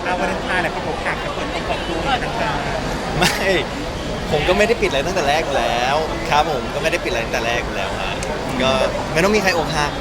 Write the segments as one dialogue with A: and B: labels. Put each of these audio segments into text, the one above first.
A: วาเลนไทน์แหละเขาบอกหักกับเปิดตัวต่าง
B: ไม่ผมก็ไม่ได้ปิดอะไรตั้งแต่แรกอยู่แล้วครับผมก็ไม่ได้ปิดอะไรตั้งแต่แรกอยู่แล้วฮะก็ไม่ต้องมีใครอกหัก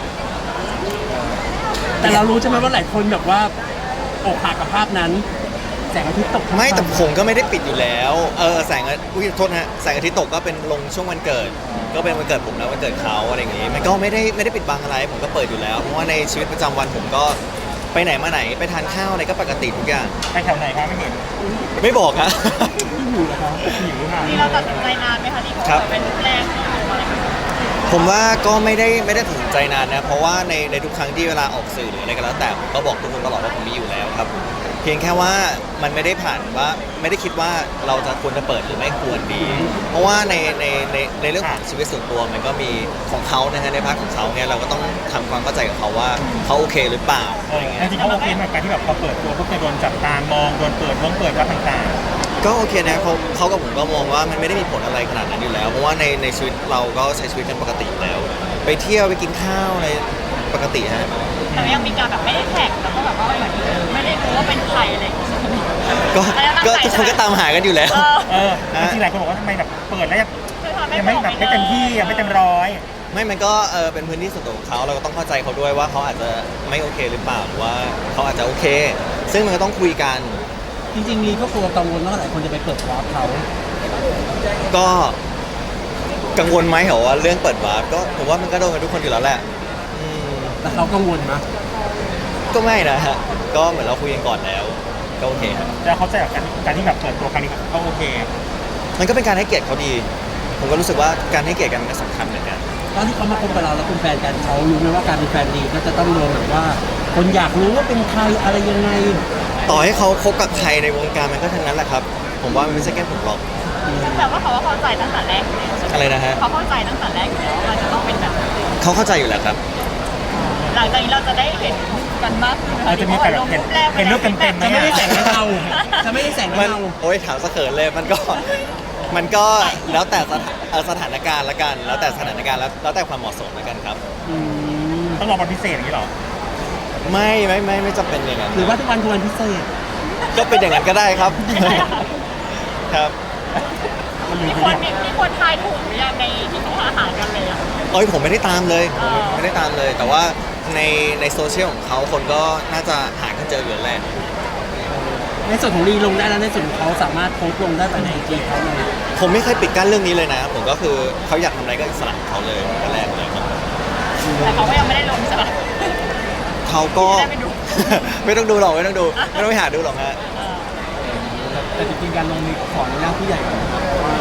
C: แต่เรารู้ใช่ไหมว่าหลายคนแบบว่าอกหักกับภาพนั้นแสงอาทิตย์ตก
B: ไม่แต่ผมก็ไม่ได้ปิดอยู่แล้วแสงอุ้ยโทษนะฮะแสงอาทิตย์ตกก็เป็นลงช่วงวันเกิด ก็เป็นวันเกิดผมแล้ววันเกิดเขาอะไรอย่างงี้มันก็ไม่ได้ปิดบังอะไรผมก็เปิดอยู่แล้วเพราะว่าในชีวิตประจำวันผมก็ไปไหนมาไหนไปทานข้าวอะไรก็ปกติทุกอย่าง
A: ๆไปแถวไหนคะไม่เห็น
B: ไม่บอกฮะ
C: อยู่แล้วครับ
A: หิวค่ะ
D: นี่เราตัดสินใจนานไหมคะที่เขา
B: ครับ
D: เป็นรูปแรกที่ออกมาเลย
B: ผมว่าก็ไม่ได้ตัดสินใจนานนะเพราะว่าในทุกครั้งที่เวลาออกสื่อหรืออะไรก็แล้วแต่ผมก็บอกทุกคนตลอดว่าผมมีอยู่แล้วครับเพียงแค่ว่ามันไม่ได้ผ่านว่าไม่ได้คิดว่าเราจะควรจะเปิดหรือไม่ควรดี เพราะว่าในเรื่องของชีวิตส่วนตัวมันก็มีของเขานะฮะในพาร์ทของเขาเนี่ยเราก็ต้องทำความเข้าใจกับเขาว่าเขาโอเคหรือเปล่า
A: จริงๆเขาโอเคกับการที่แบบพอเปิดตัวพวกจะโดนจับตามองโดนเปิดวัดต่าง
B: ก็โอเคนะเขากับผมก็มองว่ามันไม่ได้มีผลอะไรขนาดนั้นอยู่แล้ว เพราะว่าในชีวิตเราก็ใช้ชีวิตกันปกติอยู่แล้ว ไปเที่ยวไปกินข้าวอะไรปกติฮะ
D: แต่ยังมีการแบบไม่ได้แท็กแล้วก็แบบว่าเหมือนไม่ได้รู้ว่าเป็นใครอะไรอย่างเงี้ย
B: ก็ทุกคนก็ตามหากันอยู่แล้ว
A: จริงๆหลายคนบอกว่าทำไมแบบเปิดแล้ว
D: คือทำ
A: ยังไม่แบบไม่เต็มที่ยังไม่เต็มร้อย
B: ไม่มันก็เป็นพื้นที่ส่วนตัวของเขาเราก็ต้องเข้าใจเขาด้วยว่าเขาอาจจะไม่โอเคหรือเปล่าหรือว่าเขาอาจจะโอเค ซึ่งมันก็ต้องคุยกัน
C: จริงๆมีก็กลัวกังวลว่าหลายคนจะไปเปิดวาร์ปเขา
B: ก็กังวลไหมเหรอว่าเรื่องเปิดวาร์ปก็ผมว่ามันก็โดนกันทุกคนอยู่แล้วแหละอืม
C: แต่เขากังวลนะ
B: ก็ไม่นะฮะก็เหมือนเราคุยกันก่อนแล้วก็โอเคครับ
A: แล้วเขาใจกับการที่แบบเปิดตัวครั้งนี้เขาโอเค
B: มันก็เป็นการให้เกียรติเขาดี ผมก็รู้สึกว่าการให้เกียรติกันมันก็สำคัญเหมือนกัน
C: ตอนที่เขามาคบกับเราแล้วเป็นแฟนกันเขารู้ไหมว่าการเป็นแฟนดีก็จะต้องโดนแบบว่า คนอยากรู้ว่าเป็นใครอะไรยังไง
B: ต่อให้เขาคบกับใครในวงการมันก็ทั้งนั้นแหละครับ ผมว่ามันไม่ใช่แค่ผมหรอก
D: แต่ว่าเขาเข้าใจตั้งแต่แรกอยู่แล้วใช่ไหม
B: อะไรนะฮะ
D: เขาเข้าใจตั้งแต่แรกอยู่แล้วว่าจะต้องเป็นแบบนั้น
B: เขาเข้าใจอยู่แล้วครับ
D: หลังจากนี้เราจะได้เห็นกันมากขึ้น
A: อาจจะมีแบบเห็นรูปเต็มๆไหม
C: จะไม่ได้แสงเงาจะไม่ได้แสง
B: มัน
C: เงา
B: โอ้ยถามสะเขินเลยมันก็แล้วแต่สถานการณ์ละกัน แล้วแต่สถานการณ์แล้วแต่ความเหมาะสมละกันครับ
C: อืม
A: ต้องรอวันพิเศษอย่างนี้หรอ
B: ไม่จำเป็นอย่างนั้น
C: หรือว่าทุกวันคือวันพิเศษ
B: ก็เป็นอย่างนั้นก็ได้ครับ ครับ
D: มีคนทายถูกหรือยังในที่เขาหากันเลยอ่ะ
B: เอ้ยผมไม่ได้ตามเลยผมไม่ได้ตามเลย แต่ว่าในโซเชียลของเขาคนก็น่าจะหากันเจออยู่แล้วแหละ
C: ในส่วนของรีลงได้แล้วในส่วนของเขาสามารถโพสต์ลงได้ภายในไอจีเขาเลย
B: ผมไม่เคยปิดกั้นเรื่องนี้เลยนะ ผมก็คือเขาอยากทำอะไรก็อิสระของเขาเลยตั้งแต่แรกเลยครับ
D: แต่เขาก็ยังไม่ได้ลงใช่ไหม
B: เขาก็
D: ไม่ได้ไปดู
B: ไม่ต้องดูหรอกไม่ต้องดูไม่ต้องไปหาดูหรอกฮะ
C: แต่จริงๆการลงมีขออนุญาตผู้ใหญ่ก่อนนะครับ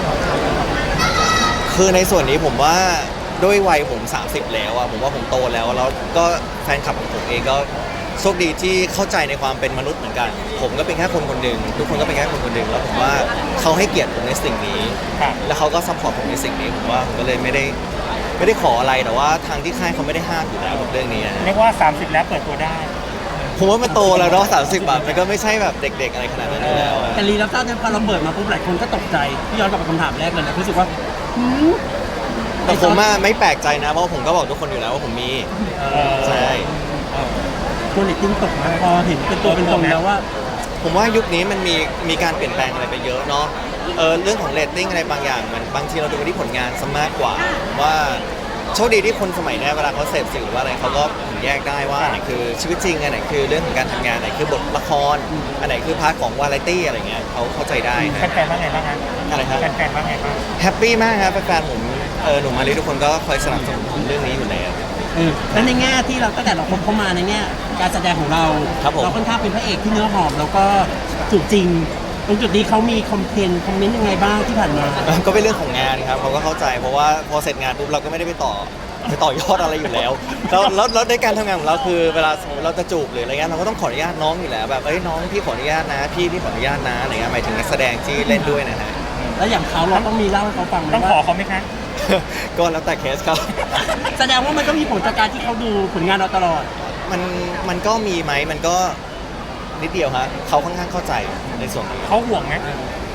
B: คือในส่วนนี้ผมว่าด้วยวัยผม 30 แล้วอะผมว่าผมโตแล้วก็แฟนคลับของผมเองก็โชคดีที่เข้าใจในความเป็นมนุษย์เหมือนกัน ผมก็เป็นแค่คนคนหนึ่งทุกคนก็เป็นแค่คนคนหนึ่งแล้วผมว่าเขาให้เกียรติผมในสิ่งนี้
A: ครับ
B: แล้วเขาก็ซัพพอร์ตผมในสิ่งนี้ผมว่าผมก็เลยไม่ได้ขออะไรแต่ว่าทางที่ค่ายเขาไม่ได้ห้ามอยู่แล้วกับเรื่องนี้นะ
A: เรียกว่า 30 แล้วเปิดตัวได้
B: ผมว่ามันโตแล้วเนาะ30 บาทมันก็ไม่ใช่แบบเด็ก ๆ อะไรขนาดนั้นอยู่แล้วอะ
C: แต่รีรับทราบเนี่ยพอเราเปิดมาปุ๊บหลายคนก็ตกใจที่ย้อนกลับไปคำถามแรกเลยนะรู้สึกว่าหืม
B: แต่ผมอะไม่แปลกใจนะเพราะผมก็บอกทุกคนอยู่แล้วว่าผมมีใช่
C: ตัวเน็ตติ้งตกมาพอเห็นเป็นตัวเป็นตนแล้วว่า
B: ผมว่ายุคนี้มันมีการเปลี่ยนแปลงอะไรไปเยอะเนาะเรื่องของเรตติ้งอะไรบางอย่างมันบางทีเราดูที่ผลงานซะมากกว่าว่าโชคดีที่คนสมัยนี้เวลาเขาเสพสื่อว่าอะไรเขาก็แยกได้ว่าอันไหนคือชีวิตจริงอันไหนคือเรื่องของการทำงานอันไหนคือบทละครอันไหนคือพาร์ทของวาไรตี้อะไรเงี้ยเขาเข้าใจได้นะ
A: แฟนๆว่าไงบ้างฮะ
B: อะไรครับ
A: แฟนๆว่าไงบ้าง
B: แฮปปี้มากครับแฟนๆผมหนุ่มมาลีทุกคนก็คอยสนับสนุนผมเรื่องนี้อยู่แล้ว
C: แล้วในแง่ที่เราตั้งแต่เราคบเข้ามาในแง่การแสดงของเรา
B: ครับผม
C: เราค่อนข้างเป็นพระเอกที่เนื้อหอมแล้วก็จูบจริง ตรงจุดนี้เขามีคอมเมนต์ยังไงบ้างที่ผ่านมา
B: ก็เป็นเรื่องของงานครับเขาก็เข้าใจเพราะว่าพอเสร็จงานปุ๊บเราก็ไม่ได้ไปต่อยอดอะไรอยู่แล้วแล้วในการทำงานของเราคือเวลาสมมติเราจะจูบหรืออะไรเงี้ยเราก็ต้องขออนุญาตน้องอยู่แล้วแบบน้องพี่ขออนุญาตนะพี่ขออนุญาตนะอะไรเงี้ยหมายถึงนักแสดงที่เล่นด้วยนะฮะ
C: แล้วอย่างเขาเราต้องมีเล่าให้เขาฟังไหม
A: ต้องขอ
C: ว่า
A: เขาไหมคะ
B: ก็แล้วแต่เคสครับ
C: แสดงว่ามันก็มีผลจากการที่เขาดูผลงานเราตลอด
B: มันก็มีไหมมันก็นิดเดียวฮะเขาค่อนข้างเข้าใจในส่วนนี้
A: เขาห่วงไหม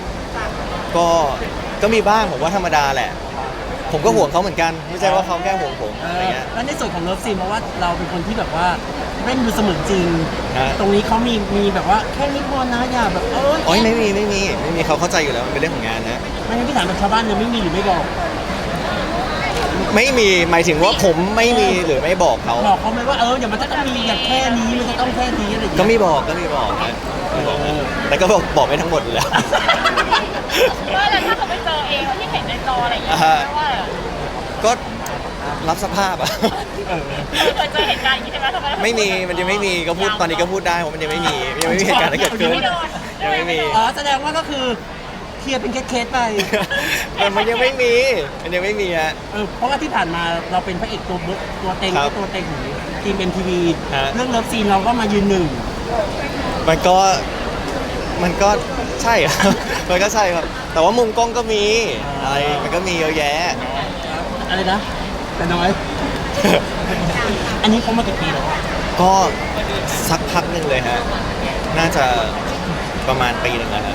B: ก็มีบ้างผมว่าธรรมดาแหละ ผมก็ห่วงเขาเหมือนกันไม่ใช่ว่าเขาแค่ห่วงผมอะไรเงี้ย
C: แล้วในส่วนของเลิฟซีนเพราะว่าเราเป็นคนที่แบบว่าเล่นดูเสมือนจริง
B: ฮะ
C: ตรงนี้เขามีแบบว่าแค่นี้พอนะอย่าแบบ
B: โอ้ยไม่มีเขาเข้าใจอยู่แล้วมันเป็นเรื่องของงานนะ
C: ไม่งั้นพี่ถามแบบชาวบ้านเลยไม่มีหรือไม่บอก
B: ไม่มีหมายถึงว่าผมไม่มีหรือไม่บอกเขา
C: บอกเขาไหมว่าอย่ามันจะต้องมีอย่างแค่นี้มันจะต้องแค่นี้อะไรอย่าง
B: ก็
C: เงี้ย
B: มีบอกนะแต่ก็บอกไม่ทั้งหมดอยู่แล้ว
D: ว่าแล้วถ้าเขาไปเจอเองที่เห็นในจออะไรอย่างเงี้ย
B: อ่าฮะ
D: ว่า
B: ก็รับสภาพอะ
D: เคยเจอเหตุการณ์อย่างนี้ใช่ไหมทำไม
B: ไม่มีมันยังไม่มีก็พูดตอนนี้ก็พูดได้เพราะมันยังไม่มีเหตุการณ์ที่เกิดขึ้น
D: ไม่โดน
B: ยังไม่มี
C: อ๋อแสดงว่าก็คือเคลียร์เป็นเคสๆไป
B: มันยังไม่มีฮะ
C: เพราะว่าที่ผ่านมาเราเป็นพระเอกตัวเต็ง
B: ครับ
C: ตัวเต็งของทีม MTV
B: ฮะ
C: เรื่องเลิฟซีนเราก็มายืนหนึ่ง
B: มันก็ใช่ครับ มันก็ใช่ครับ แต่ว่ามุมกล้องก็มีอะไรมันก็มีเยอะแยะ
C: อะไรนะ แต่น้อย อันนี้เขามากี่ปีแล้ว
B: ก็สักพักหนึ่งเลยฮะ น่าจะประมาณปีหนึ่งแล้วฮะ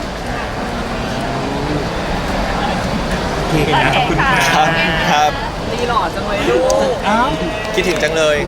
A: โอเคนะขอบคุณค่ะ
B: ครับ
C: อ้าว
B: คิดถึงจังเลย